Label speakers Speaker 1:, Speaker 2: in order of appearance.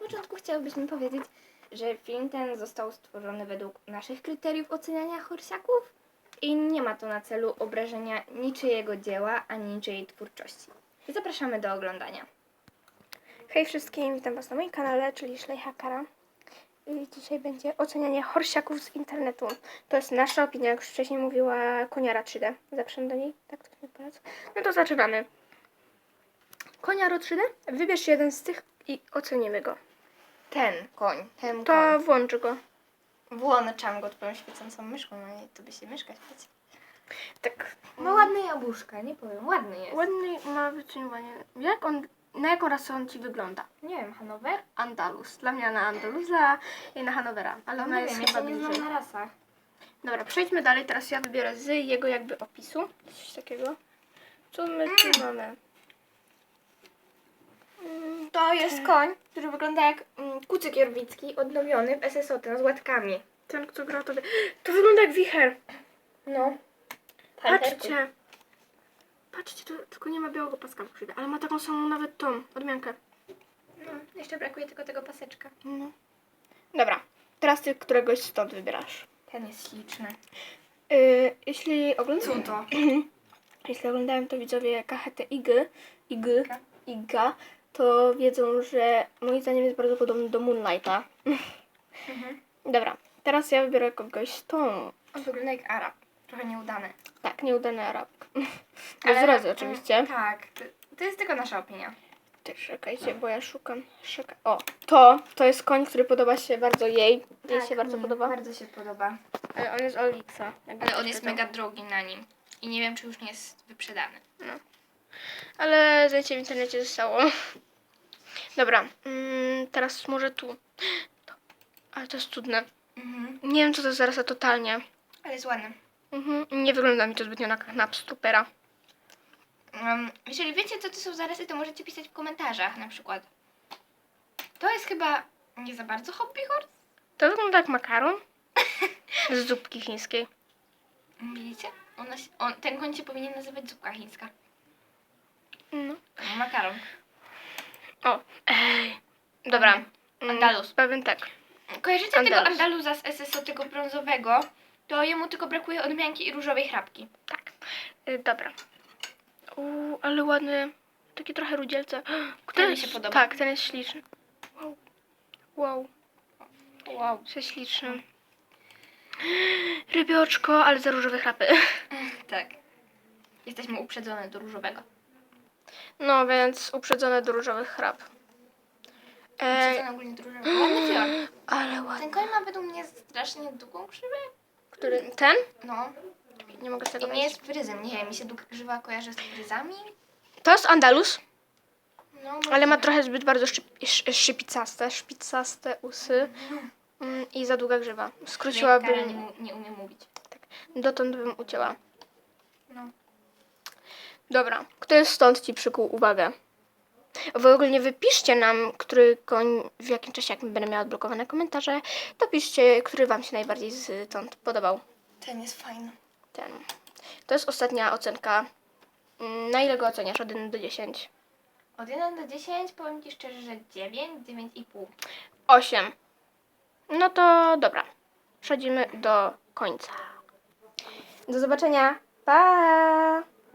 Speaker 1: początku chciałybyśmy powiedzieć, że film ten został stworzony według naszych kryteriów oceniania horsiaków i nie ma to na celu obrażenia niczyjego dzieła ani niczyjej twórczości. Zapraszamy do oglądania.
Speaker 2: Hej wszystkim, witam Was na moim kanale, czyli Szlejhakara. I dzisiaj będzie ocenianie horsiaków z internetu. To jest nasza opinia, jak już wcześniej mówiła Koniara 3D. Zapraszam do niej, tak to mi polecam. No to zaczynamy. Koniaro 3D, wybierz jeden z tych i ocenimy go.
Speaker 1: Ten koń.
Speaker 2: To włącz go.
Speaker 1: Włączam go twoją świecącą myszką, no i to by się myszka świeci.
Speaker 2: Tak.
Speaker 1: Ma ładne jabłuszka, nie powiem, ładny jest.
Speaker 2: Ładny ma wyciągnięcie. Na jaką rasę on Ci wygląda?
Speaker 1: Nie wiem, Hanower?
Speaker 2: Andalus. Dla mnie na Andaluza i na Hanowera. Ale
Speaker 1: No
Speaker 2: ona
Speaker 1: nie
Speaker 2: jest
Speaker 1: wiem, ja
Speaker 2: chyba
Speaker 1: się nie
Speaker 2: bliżej.
Speaker 1: znam na rasach.
Speaker 2: Dobra, przejdźmy dalej. Teraz ja wybiorę z jego jakby opisu. Coś takiego. Co my tu mamy?
Speaker 1: To jest koń, który wygląda jak kucyk jorwicki, odnowiony w SSO, ten z łatkami.
Speaker 2: Ten, kto grał to... To wygląda jak wicher.
Speaker 1: No.
Speaker 2: Patrzcie. Patrzcie, tu tylko nie ma białego paska, ale ma taką samą nawet tą odmiankę.
Speaker 1: No, jeszcze brakuje tylko tego paseczka.
Speaker 2: No. Dobra, teraz ty któregoś stąd wybierasz.
Speaker 1: Ten jest śliczny.
Speaker 2: Jeśli oglądałem...
Speaker 1: Co to?
Speaker 2: Jeśli oglądałem to widzowie KHT Iga, to wiedzą, że moim zdaniem jest bardzo podobny do Moonlighta. Dobra, teraz ja wybiorę kogoś z tą.
Speaker 1: On wygląda jak Arab. Trochę nieudany.
Speaker 2: Tak, nieudany Arabk. Bez zrazy oczywiście.
Speaker 1: Tak, to jest tylko nasza opinia.
Speaker 2: Też czekajcie, bo ja szukam. O, to jest koń, który podoba się bardzo jej. Jej się bardzo podoba.
Speaker 1: Bardzo się podoba.
Speaker 2: Ale on jest Olixa.
Speaker 1: Ale on jest mega drogi na nim. I nie wiem, czy już nie jest wyprzedany.
Speaker 2: No. Ale zdjęcie w internecie zostało. Dobra, teraz może tu. Ale to jest cudne. Nie wiem, co to jest zarasa totalnie.
Speaker 1: Ale jest ładny.
Speaker 2: Nie wygląda mi to zbytnio na Knapstupera.
Speaker 1: Jeżeli wiecie, co to są zarysy, to możecie pisać w komentarzach na przykład. To jest chyba nie za bardzo hobby horse.
Speaker 2: To wygląda jak makaron z zupki chińskiej.
Speaker 1: Widzicie? Ten koń się powinien nazywać zupka chińska.
Speaker 2: No.
Speaker 1: Makaron.
Speaker 2: O, ej. Dobra.
Speaker 1: Andalus.
Speaker 2: Pewien tak.
Speaker 1: Kojarzycie
Speaker 2: Andalus.
Speaker 1: tego Andaluza z SSO, tego brązowego? To jemu tylko brakuje odmianki i różowej chrapki.
Speaker 2: Tak. Dobra. Ale ładny. Taki trochę rudzielce.
Speaker 1: Ten mi się podoba.
Speaker 2: Tak, ten jest śliczny. Wow.
Speaker 1: Wow.
Speaker 2: Jest śliczny. Rybioczko, ale za różowe chrapy.
Speaker 1: Tak. Jesteśmy uprzedzone do różowego.
Speaker 2: No więc uprzedzone do różowych chrap.
Speaker 1: Uprzedzone ogólnie do różowego. Ładny fior.
Speaker 2: Ale ładny.
Speaker 1: Ten koń ma według mnie strasznie długą krzywę.
Speaker 2: Który? Ten?
Speaker 1: No.
Speaker 2: Nie mogę z tego
Speaker 1: I nie
Speaker 2: wejść.
Speaker 1: jest fryzem. Nie wiem, mi się długa krzywa kojarzy z fryzami.
Speaker 2: To jest Andalus,
Speaker 1: No,
Speaker 2: ale ma trochę zbyt bardzo szpicaste usy i za długa grzywa. Skróciłabym,
Speaker 1: nie umiem mówić.
Speaker 2: dotąd bym ucięła.
Speaker 1: No.
Speaker 2: Dobra, kto stąd Ci przykuł uwagę? W ogóle wypiszcie nam, który koń, w jakim czasie, jak będę miała odblokowane komentarze, to piszcie, który Wam się najbardziej stąd podobał.
Speaker 1: Ten jest fajny.
Speaker 2: Ten. To jest ostatnia ocenka. Na ile go oceniasz? Od 1 do 10?
Speaker 1: Od 1 do 10 powiem Ci szczerze, że 9, 9,5.
Speaker 2: 8. No to dobra. Przechodzimy do końca. Do zobaczenia. Pa!